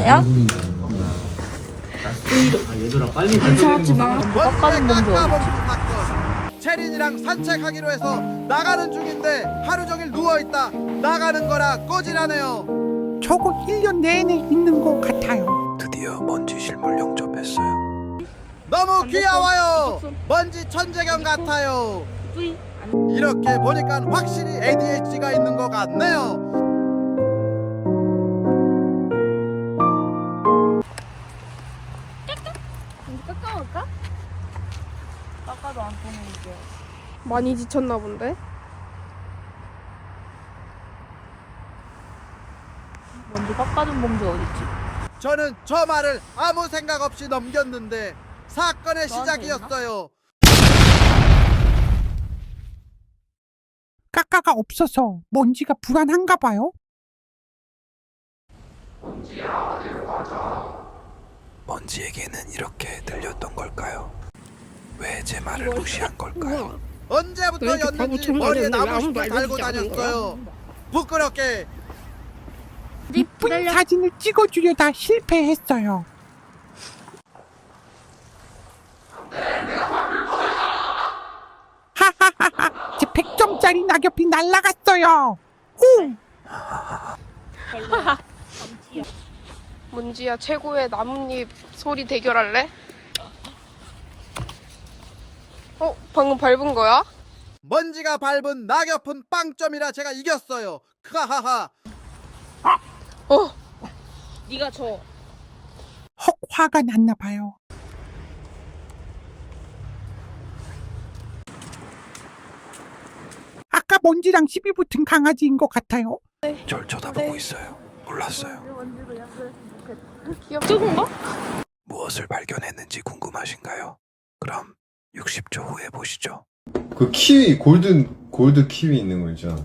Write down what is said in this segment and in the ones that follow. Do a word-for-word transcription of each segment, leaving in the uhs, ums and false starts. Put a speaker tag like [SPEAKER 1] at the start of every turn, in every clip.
[SPEAKER 1] 있어요?
[SPEAKER 2] 이상하지 마.
[SPEAKER 1] 깎아준 놈도
[SPEAKER 3] 체린이랑 산책하기로 해서 나가는 중인데 하루 종일 누워있다 나가는 거라 꼬지라네요.
[SPEAKER 4] 저거 일 년 내내 있는 것 같아요.
[SPEAKER 5] 드디어 먼지 실물 영접했어요.
[SPEAKER 3] 너무 귀여워요. 먼지 천재경 같아요. 이렇게 보니까 확실히 에이디에이치가 있는 것 같네요.
[SPEAKER 1] 깎아볼까? 깎아도 안 통하게.
[SPEAKER 2] 많이 지쳤나 본데?
[SPEAKER 1] 먼저 깎아준 범죄 어딨지?
[SPEAKER 3] 저는 저 말을 아무 생각 없이 넘겼는데 사건의
[SPEAKER 1] 너한테
[SPEAKER 3] 시작이었어요.
[SPEAKER 4] 까까가 없어서 먼지가 불안한가 봐요.
[SPEAKER 5] 먼지에게는 이렇게 들렸던 걸까요? 왜 제 말을 무시한 걸까요?
[SPEAKER 3] 언제부터였는지 머리에 나무숲을 달고 다녔어요. 부끄럽게.
[SPEAKER 4] 이쁜 사진을 찍어주려다 실패했어요. 하하하하, 제 백 점짜리 낙엽이 날아갔어요. 오!
[SPEAKER 2] 먼지야 최고의 나뭇잎 소리 대결할래? 어? 방금 밟은 거야?
[SPEAKER 3] 먼지가 밟은 낙엽은 빵점이라 제가 이겼어요. 크하하하.
[SPEAKER 2] 어?
[SPEAKER 1] 네가 줘.
[SPEAKER 4] 헉, 화가 났나 봐요. 아까 먼지랑 시비 붙은 강아지인 것 같아요.
[SPEAKER 5] 절 쳐다보고
[SPEAKER 2] 네.
[SPEAKER 5] 있어요. 몰랐어요.
[SPEAKER 2] 귀엽죠? 뭔가?
[SPEAKER 5] 무엇을 발견했는지 궁금하신가요? 그럼 육십 초 후에 보시죠.
[SPEAKER 6] 그 키위 골든 골드 키위 있는 거 있잖아.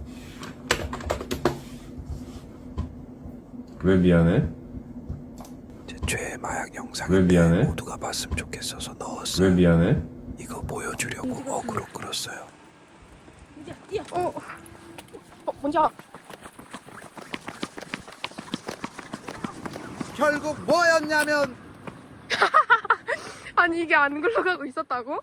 [SPEAKER 6] 왜 미안해?
[SPEAKER 5] 제 최애 마약
[SPEAKER 6] 왜
[SPEAKER 5] 영상인데
[SPEAKER 6] 미안해?
[SPEAKER 5] 모두가 봤으면 좋겠어서 넣었어요.
[SPEAKER 6] 왜 미안해?
[SPEAKER 5] 이거 보여주려고 어그로 끌었어요.
[SPEAKER 2] 어? 어? 먼지야
[SPEAKER 3] 결국 뭐였냐면
[SPEAKER 2] 아니 이게 안 굴러가고 있었다고?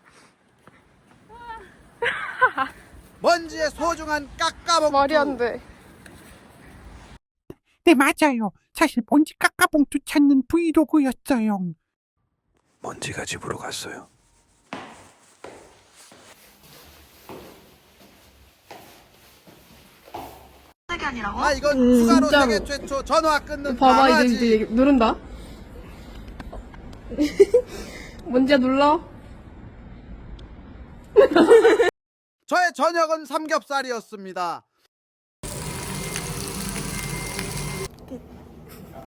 [SPEAKER 3] 먼지의 소중한 깎아먹기.
[SPEAKER 2] 말이 안 돼.
[SPEAKER 4] 네, 맞아요. 사실 먼지 까까봉투 찾는 브이로그였어요.
[SPEAKER 5] 먼지가 집으로 갔어요.
[SPEAKER 3] 아 이건
[SPEAKER 2] 음,
[SPEAKER 3] 추가로
[SPEAKER 2] 진짜로.
[SPEAKER 3] 세계 최초 전화 끊는
[SPEAKER 2] 봐봐
[SPEAKER 3] 강아지.
[SPEAKER 2] 이제, 이제 누른다. 먼지야 눌러.
[SPEAKER 3] 저의 저녁은 삼겹살이었습니다.